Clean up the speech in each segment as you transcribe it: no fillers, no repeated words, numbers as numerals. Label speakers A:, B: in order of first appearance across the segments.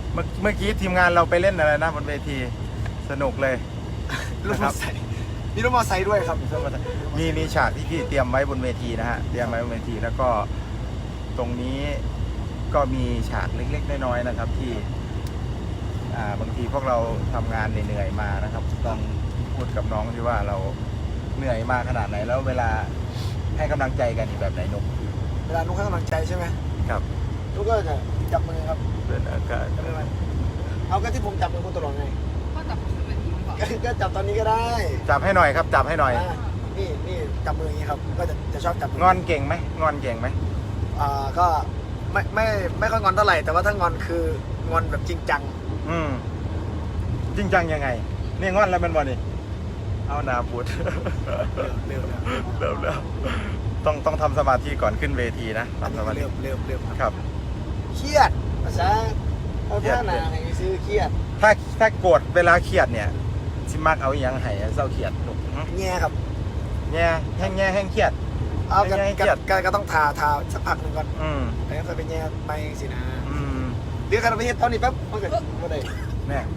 A: เมื่อกี้ทีมงานเราไปเล่นอะไรนะบนเวทีสนุกเลย
B: รถมอเตอร์ไซค์มีรถมอเตอร์ไซค์ด้วยครับ
A: มีฉากที่พี่เตรียมไว้บนเวทีนะฮะเตรียมไว้บนเวทีแล้วก็ตรงนี้ก็มีฉากเล็กๆน้อยๆนะครับที่บางทีพวกเราทำงานเหนื่อยๆมานะครับต้องพูดกับน้องที่ว่าเราเหนื่อยมากขนาดไหนแล้วเวลาให้กำลังใจกันอีกแบบไหนนุ๊ก
B: เวลานุ๊กให้กำลังใจใช่ไหม
A: ครับ
B: นุ๊กก็จะจับมือครับ
A: เป็นอากาศ
B: จับมือมันเอาก็ที่ผมจับมือคุณตลอดไง
C: ก็จับผมเป็นทีมก่อน
B: ก็จับตอนนี้ก็ได้
A: จับให้หน่อยครับจับให้หน่อย
B: นี่จับมืออย่างนี้ครับก็จะชอบจับมื
A: งอนเก่งไหมงอนเก่งไหม
B: ก็ไม่ค่อยงอนเท่าไหร่แต่ว่าถ้างอนคืองอนแบบจริงจัง
A: จริงจังยังไงนี่งอนแล้วเป็นบ่นี่เอานาพูด
B: เร็ว
A: เริ่มแล้วต้องทำสมาธิก่อนขึ้นเวทีนะ
B: อัน
A: ทำ
B: นี้
A: สมาธิ
B: เร็ว
A: ครับ
B: เครียดภาษาภาษาหนาไงซื้อเครียด
A: ถ้าโกรธเวลาเครียดเนี่ยสิมักเอาอหยังไห้เศร้าเครียดลูก
B: แง่ครับ
A: แง่แห้งเครียด
B: เอากัน
A: แง่เครียด
B: ก็ต้องทาสักพักหนึ่งก่อน แล้วก็ไปแง่ไปสินะเดี๋ยวกันไปเฮ็ดตอนนี้แป๊บเมื่อกี้เมื่อใด
A: แน่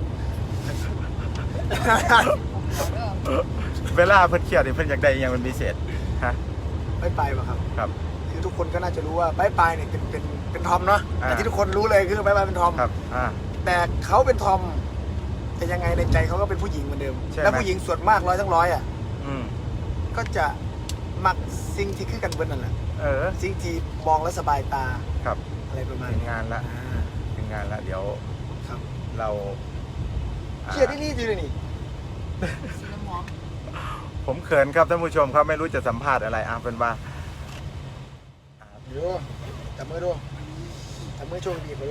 A: เวลาเพิ่นเครียดนี่เพิ่นอยากได้อหยังเป็นพิเศษฮะ
B: ไปป่ะครับ
A: ครับ
B: คือทุกคนก็น่าจะรู้ว่าไปเนี่ยเป็นทอมเนาะ
A: อ่า
B: แต่ที่ทุกคนรู้เลยคือไปเป็นทอม
A: ครับ
B: แต่เขาเป็นทอมแต่ยังไงในใจเขาก็เป็นผู้หญิงเหมือนเดิม
A: ใช่ไหม
B: แล้วผู้หญิงส่วนมาก100 อ่ะ
A: อืม
B: ก็จะมักสิ่งที่คือกันเบิ้ลนั่นแหละ สิ่งที่มองแล้วสบายตา
A: ครับ
B: อะไรประมาณ
A: ถึง
B: นี้
A: งานละ
B: อ่า
A: ถึงงานละเดี๋ยว
B: ครับ
A: เรา
B: เครียดที่รีดอยู่เลยนี่
C: สีน้ำหอม
A: ผมเขินครับท่านผู้ชมครับไม่รู้จะสัมภาษณ์อะไรเป็นว่า
B: เดี๋ยวจับมือดูจับมือโชว์บีบไปดู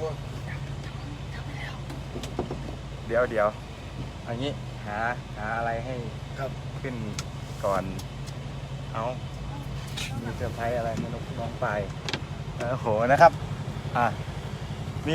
A: เดี๋ยวอันนี้หาอะไรให้
B: ครับ
A: ขึ้นก่อนเอามีเซอร์ไพรส์อะไรไม่รู้น้องไปโอ้โหนะครับมี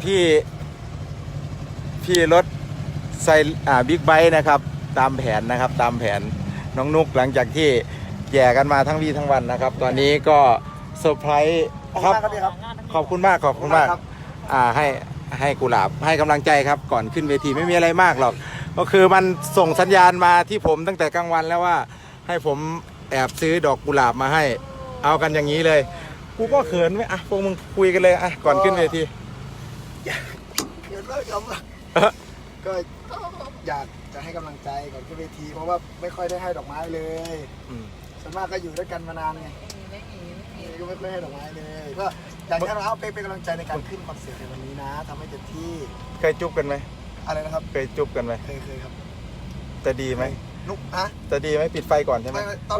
A: พี่รถใส่บิ๊กไบค์นะครับตามแผนนะครับตามแผนน้องนุกหลังจากที่แย่กันมาทั้งวี่ทั้งวันนะครับ ตอนนี้ก็เซอร์ไพรส์ครับ ขอบคุณมาก
B: ครับ
A: ให้กุหลาบให้กำลังใจครับก่อนขึ้นเวทีไม่มีอะไรมากหรอกก็คือมันส่งสัญญาณมาที่ผมตั้งแต่กลางวันแล้วว่าให้ผมแอบซื้อดอกกุหลาบมาให้เอากันอย่างนี้เลยกูก็เขินไหมพวกมึงคุยกันเลยก่อนขึ้นเวที
B: เดี๋ยวก็ครับก็อยากจะให้กำลังใจก่อนขึ้นเวทีเพราะว่าไม่ค่อยได้ให้ดอกไม้เลยส่วนมากก็อยู่ด้วยกันมานานไง
C: ไม่มี
B: ก็ไม่ค่อยให้ดอกไม้เลยก็อยากให้เราเป็นกำลังใจในการขึ้นคอนเสิร์ตในวันนี้นะทำให้เต็มที่
A: เคยจุ๊บกันไหม
B: อะไรนะครับ
A: เคยจุ๊บกันไหม
B: เคยครับ
A: จะดีไหม
B: นุกฮะ
A: จะดีไหมปิดไฟก่อนใช่ไหม
B: ไม่ตอน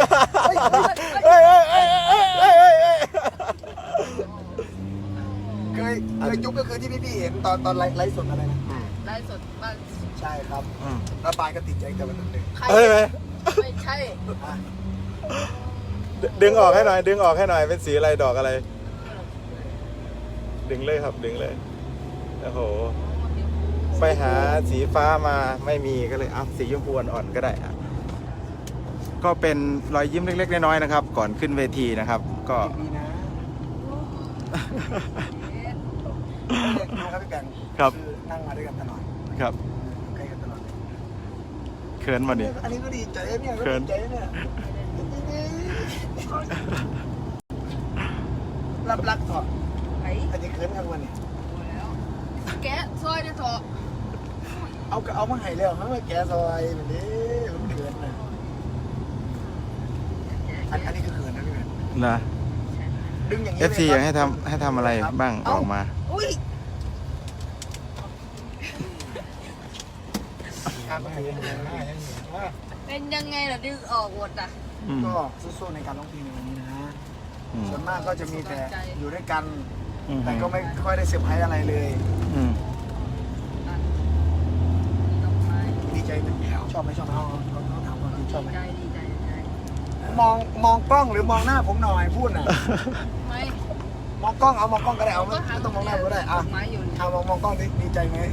B: เคยจุ๊บก็คือที่พี่เห็นตอนไลฟ์สดอะไรนะ
C: ไลฟ์สดบ้าน
B: ใช่ครับแล้วปายก็ติดใจแต่วันนั้นเลย
C: ใคร
A: ไหม
C: ไม่ใช่
A: ดึงออกให้หน่อยเป็นสีอะไรดอกอะไร ดึงเลยครับดึงเลยโอ้โหไปหาสีฟ้ามาไม่มีก็เลยเอาสีชมพูอ่อนๆก็ได้ก็เป็นรอยยิ้มเล็กๆน้อยๆนะครับ ก่อนขึ้นเวทีนะครับ ก็
B: ดีนะครับพี่แบงค์คือนั่งมาด้วยกันตลอด
A: ครับ
B: ใกล้กันตลอด
A: เขินมาดิ
B: อันนี้ก็ดีใจเนี่ยก็ดีใจเนี่ยรับถอด
C: ไอ้
B: อันนี้เขินกันวันนี้
C: แล้วแกะซอยได้เถอะ
B: เอามาให้แล้วเขามาแกะซอยแบบนี้มันเขินนะอันนี้คือเขินนะพี่แบงค์
A: นะ
B: ดึงอย่างนี้
A: FC อยากให้ทำอะไรบ้างออกมา
C: อุ้ย เป็นยังไงล่ะดึงออกหมดอ่ะ
B: ก็สู้ๆในการร้องเพลงในวันนี้นะส่วนมากก็จะมีแต่อยู่ด้วยกันแต่ก็ไม่ค่อยได้เซอร์ไพรส์อะไรเลยดีใจชอบไหมชอบเขาถามความจริงชอบไหม
C: ดีใจ
B: มองกล้องหรือมองหน้าผมหน่อยพูดน่ะ
C: ไม่
B: มองกล้องก็ได้เอาไม่ต้องมองหน้าก็ได้อ่ะ
C: ไม้อยู่
B: มองกล้องดีใจไหม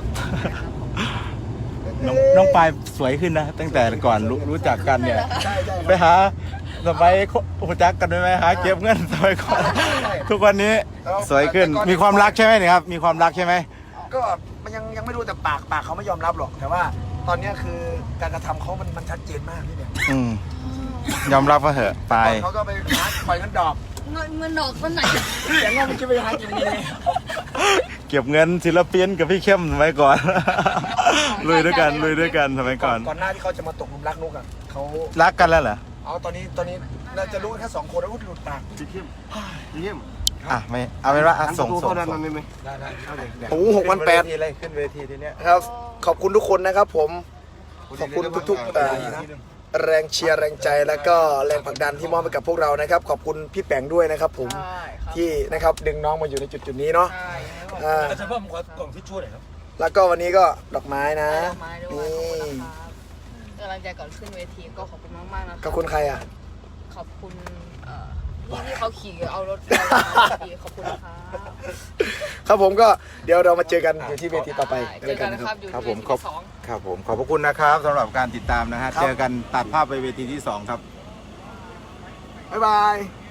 A: น้องปายสวยขึ้นนะตั้งแต่ก่อนรู้จักกันเนี่ย
B: ใช่
A: ไปหาสมัยหูจักกันไหมหาเก็บเงินสมัยก่อนทุกวันนี้สวยขึ้นมีความรักใช่ไหมเนี่ยครับมีความรักใช่ไหม
B: ก็มันยังไม่รู้แต่ปากเขาไม่ยอมรับหรอก แต่ว่าตอนเนี้ยคือการกระทำเขามันชัดเจนมากพี่เนี่ย
A: ยอมรับว่าเหอะไป
B: ก่อนเขาก็ไปหาปล่อยเงินดอก
C: เงินดอกต้นไหน
B: เสียงเงินมันจะไปหากินยังไง
A: เก็บเงินศิลปินกับพี่เข้มไว้ก่อน ลุยด้วยกันสมัยก่อน
B: ก่อนหน้าที่เขาจะมาตกหลุมรักนุกอ่ะเขา
A: รักกันแล้วเหรอ
B: เอาตอนนี้น่าจะรู้กันแค่2 คนแล้วก็หลุดปาก
D: พี่เข้ม
A: อ่ะไม่เอาเป็นว่าอ่ะส่ง
D: เข้าด้านนั้นได้ไหม
B: ได้เอาเลย
A: โอ้6,800เลยขึ้นเวทีทีเนี้ย
B: ครับ ขอบคุณทุกคนนะครับผม ขอบคุณทุกแรงเชียร์แรงใจแล้วก็แรงผลักดันที่มอบให้กับพวกเรานะครับ ขอบคุณพี่แปงด้วยนะครับผม
C: ใช่ครับ
B: ที่นะครับดึงน้องมาอยู่ในจุดนี้เนาะ
C: ใช่ครับ
D: อาจารย์พ่อผมขอกล่องทิชชู่หน่อยครับ
B: แล้วก็วันนี้ก็ดอกไม้นะ
C: ดอกไม้ด้วยขอบคุณนะครับกำลังใจก่อนขึ้นเวทีก็ขอบคุณมากๆนะ
B: ขอบคุณใครอ่ะ
C: ขอบคุณที่เขาขี่เอารถไปขอบคุณนะครับ
B: ครับผมก็เดี๋ยวเรามาเจอกันอยู่ที่เวทีต่อไป
C: เจอกันนะครับอยู่
A: ครับ
C: ที่
A: ผม
C: เวที
A: ขอบ
C: ที่สอง
A: ครับผมขอบพระคุณนะครับสำหรับการติดตามนะฮะ
B: ครับ
A: เจอกันตัดภาพไปเวทีที่ 2 ครับ
B: บ๊ายบาย